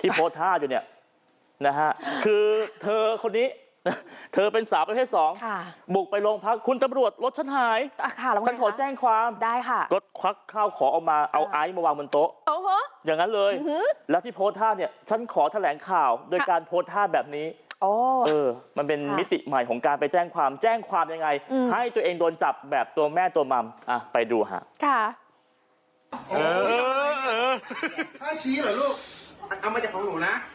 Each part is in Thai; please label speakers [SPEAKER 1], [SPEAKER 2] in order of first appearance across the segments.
[SPEAKER 1] ที่โพสท่าอยู่เนี่ยนะฮะคือเธอคนนี้เธอเป็นสาวประเภท2บุกไปโรงพักคุณตำรวจรถฉันหายฉันขอแจ้งความ
[SPEAKER 2] ได้ค่ะ
[SPEAKER 1] ก็ควักข้าวของออกมาเอาไอซ์มาวางบนโต๊ะอย่างนั้นเลยแล้วที่โพสท่าเนี่ยฉันขอแถลงข่าวโดยการโพสท่าแบบนี้มันเป็นมิติใหม่ของการไปแจ้งความยังไงให้ตัวเองโดนจับแบบตัวแม่ตัวมัมไปดูฮะ
[SPEAKER 2] ค่ะ
[SPEAKER 3] ถ้าชี้เหรอลูกเอามาจากของหนูนะ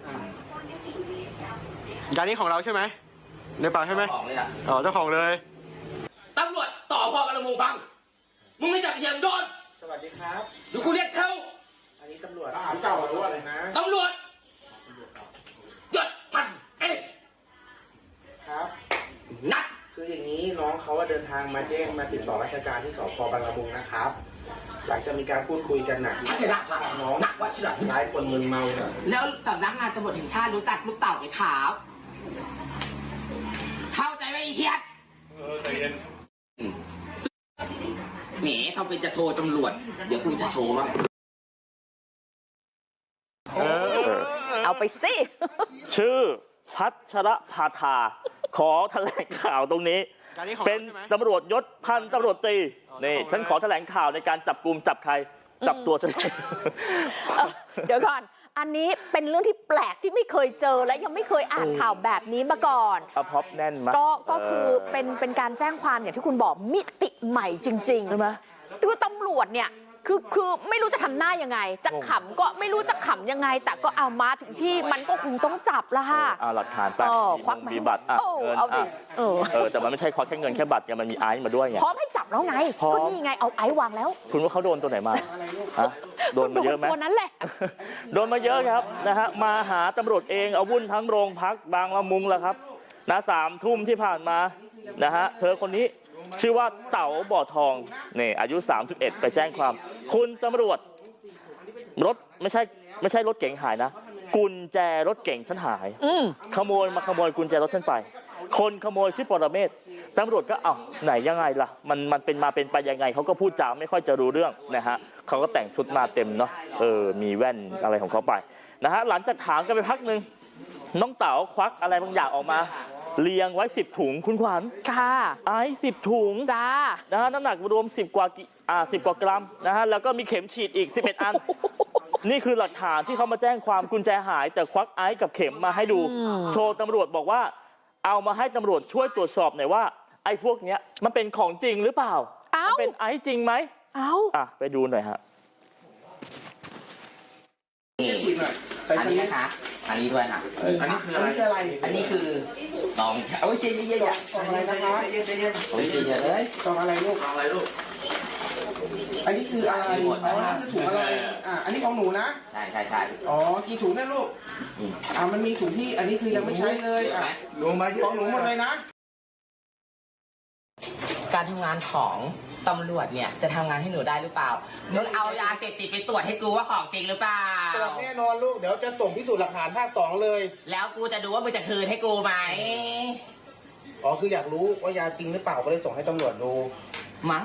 [SPEAKER 3] จานนี้ของเราใช่ไหมในปากใช่ไหมอ๋อเจ้าของเลย
[SPEAKER 4] ตำรวจต่อพอกระมูฟังมึงไม่จับเทียมโดน
[SPEAKER 3] สวัสดีครับ
[SPEAKER 4] ดูกูเรียกเขา
[SPEAKER 3] อันนี้ตำรวจทหารเก่าหรือว่าอะไรนะ
[SPEAKER 4] ตำรวจยศพันเอ๊ะ
[SPEAKER 3] ครับ
[SPEAKER 4] นัด
[SPEAKER 3] คืออย่างนี้น้องเขาเดินทางมาแจ้งมาติดต่อราชการที่สพบางละมุงนะครับหลังจากมีการพูดคุยกันหนักน้อง
[SPEAKER 4] วัชระ
[SPEAKER 3] หลายคนมึนเมาเนี่ย
[SPEAKER 4] แล้วสำนักงานตำรวจแห่งชาติรู้จักลูกเต่าไหมขาวเข้าใจไหมอีเทียด
[SPEAKER 3] ใจเย็น
[SPEAKER 4] แหมเขาเป็นจะโทรตำรวจเดี๋ยวกูจะโชว์มั้ง
[SPEAKER 2] เอาไปสิ
[SPEAKER 1] ชื่อพัชรพาธาขอแถลงข่าวตรงนี้เป็นตำรวจยศพันตำรวจตรีนี่ฉันขอแถลงข่าวในการจับกุมจับใครจับตัวฉัน
[SPEAKER 2] เดี๋ยวก่อนอันนี้เป็นเรื่องที่แปลกที่ไม่เคยเจอและยังไม่เคยอ่านข่าวแบบนี้มาก่อน
[SPEAKER 1] พร็อพแน่นมาก
[SPEAKER 2] ก็คือเป็นการแจ้งความอย่างที่คุณบอกมิติใหม่จริงๆ
[SPEAKER 1] ใช่ไหม
[SPEAKER 2] คือตำรวจเนี่ยคือไม่รู้จะทำหน้ายังไงจะขำก็ไม่รู้จะขำยังไงแต่ก็เอามาถึงที่มันก็คงต้องจับละค่ะ
[SPEAKER 1] หลักฐานไป
[SPEAKER 2] ควัก
[SPEAKER 1] มีบัตร
[SPEAKER 2] เอาดิ
[SPEAKER 1] แต่มันไม่ใช่ควักแค่เงินแค่บัตรไงมันมีไอซ์มาด้วยไง
[SPEAKER 2] พร้อมให้จับแล้วไงก็นี่ไงเอาไอซ์วางแล้ว
[SPEAKER 1] คุณว่าเขาโดนตัวไหนมาโดนมาเยอะไหม
[SPEAKER 2] ตัวนั้นแหละ
[SPEAKER 1] โดนมาเยอะครับนะฮะมาหาตำรวจเองเอาวุ่นทั้งโรงพักบางละมุงแล้วครับ3 ทุ่มที่ผ่านมานะฮะเธอคนนี้ชื่อว่าเต๋าบ่อทองนี่อายุ31ไปแจ้งความคุณตำรวจรถไม่ใช่รถเก๋งหายนะกุญแจรถเก๋งฉันหายขโมยกุญแจรถฉันไปคนขโมยชื่อปรเมศตำรวจก็ไหนยังไงล่ะมันเป็นมาเป็นไปยังไงเขาก็พูดจาไม่ค่อยจะรู้เรื่องนะฮะเขาก็แต่งชุดมาเต็มเนาะมีแว่นอะไรของเขาไปนะฮะหลังจากถามกันไปพักนึงน้องเต๋าควักอะไรบางอย่างออกมาเรียงไว้10 ถุงคุณขวัญ
[SPEAKER 2] ค่ะ
[SPEAKER 1] ไอซ์10 ถุง
[SPEAKER 2] จ้า
[SPEAKER 1] นะฮะน้ำหนักรวม10 กว่ากรัมนะฮะแล้วก็มีเข็มฉีดอีก11 อันนี่คือหลักฐานที่เขามาแจ้งความกุญแจหายแต่ควักไอซ์กับเข็มมาให้ดูโชว์ตำรวจบอกว่าเอามาให้ตำรวจช่วยตรวจสอบหน่อยว่าไอ้พวกเนี้ยมันเป็นของจริงหรือเปล่ามันเป็นไอซ์จริงไหมไปดูหน่อยฮะ
[SPEAKER 4] อันนี้นะคะอันนี้ด้วยค่ะ
[SPEAKER 3] อันนี้คืออะไร
[SPEAKER 4] อันนี้คือตองเอาไว้เชียร์เยอะ
[SPEAKER 3] ๆตองอะไรนะคะ
[SPEAKER 4] เยอะเลย
[SPEAKER 3] ตองอะไรลูกอันนี้คืออะไรถุงอะไรอันนี้ของหนูนะ
[SPEAKER 4] ใช่
[SPEAKER 3] อ๋อกี่ถุงเนี่ยลูกมันมีถุงที่อันนี้คือยังไม่ใช้เลยของหนูหมดเลยนะ
[SPEAKER 4] การทำงานของตำรวจเนี่ยจะทำงานให้หนูได้หรือเปล่ามึงเอายาเสพติดไปตรวจให้กูว่าของจริงหรือเปล่า
[SPEAKER 3] ตรวจแน่นอนลูกเดี๋ยวจะส่งพิสูจน์หลักฐานภาค2เลย
[SPEAKER 4] แล้วกูจะดูว่ามึงจะคืนให้กูไหม
[SPEAKER 3] คืออยากรู้ว่ายาจริงหรือเปล่าก็เลยส่งให้ตำรวจดู
[SPEAKER 4] มั้ง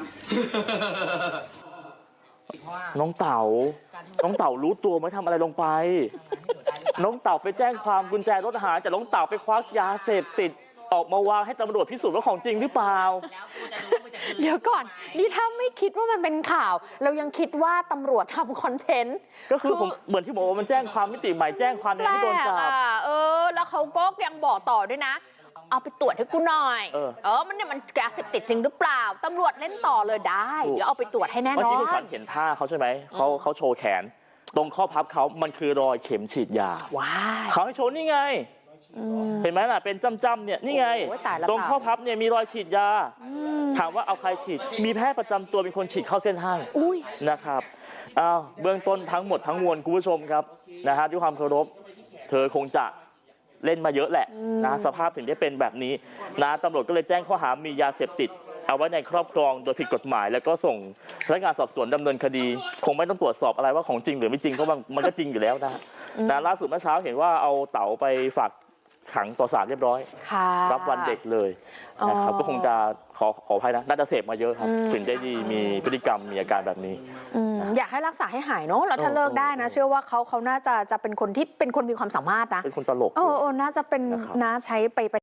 [SPEAKER 1] น้องเต๋ารู้ตัวไหมทำอะไรลงไปน้องเต๋าไปแจ้งความกุญแจรถหายแต่น้องเต๋าไปควักยาเสพติดออกมาวางให้ตำรวจพิสูจน์ว่าของจริงหรือเปล่า
[SPEAKER 2] เดี๋ยวก่อนนี่ถ้าไม่คิดว่ามันเป็นข่าวเรายังคิดว่าตำรวจทำคอนเทนต์
[SPEAKER 1] ก็คือผมเหมือนที่บอกว่ามันแจ้งความมิติใหม่แจ้งความในที่โดนจับ
[SPEAKER 2] แล้วเขาก็ยังบอกต่อด้วยนะเอาไปตรวจให้กูหน่อยมันยาเสพติดจริงหรือเปล่าตำรวจเล่นต่อเลยได้เดี๋ยวเอาไปตรวจให้แน่นอน
[SPEAKER 1] เมื่อกี้คุณขวัญเห็นท่าเขาใช่ไหมเขาโชว์แขนตรงข้อพับเขามันคือรอยเข็มฉีดยาเขาให้โชว์นี่ไงเห็นไหมล่ะเป็นจ้ำๆเนี่ยนี่ไงตรงข้อพับเนี่ยมีรอยฉีดยาถามว่าเอาใครฉีดมีแพทย์ประจำตัวเป็นคนฉีดเข้าเส้นให้นะครับเบื้องต้นทั้งหมดทั้งมวลคุณผู้ชมครับนะฮะด้วยความเคารพเธอคงจะเล่นมาเยอะแหละนะสภาพถึงได้เป็นแบบนี้นะตำรวจก็เลยแจ้งข้อหามียาเสพติดเอาไว้ในครอบครองโดยผิดกฎหมายแล้วก็ส่งพนักงานสอบสวนดำเนินคดีคงไม่ต้องตรวจสอบอะไรว่าของจริงหรือไม่จริงเพราะมันก็จริงอยู่แล้วนะล่าสุดเมื่อเช้าเห็นว่าเอาเต๋าไปฝากขังต่อศาลเรียบร้อยรับวันเด็กเลยนะครับก็คงจะขอขออภัยนะน่าจะเสพมาเยอะครับถึงได้มีพฤติกรรมมีอาการแบบนี้
[SPEAKER 2] อยากให้รักษาให้หายเนาะแล้วถ้าเลิกได้นะเชื่อว่าเขาน่าจะเป็นคนที่เป็นคนมีความสามารถนะ
[SPEAKER 1] เป็นคนตลก
[SPEAKER 2] น่าจะเป็นน่าใช้ไป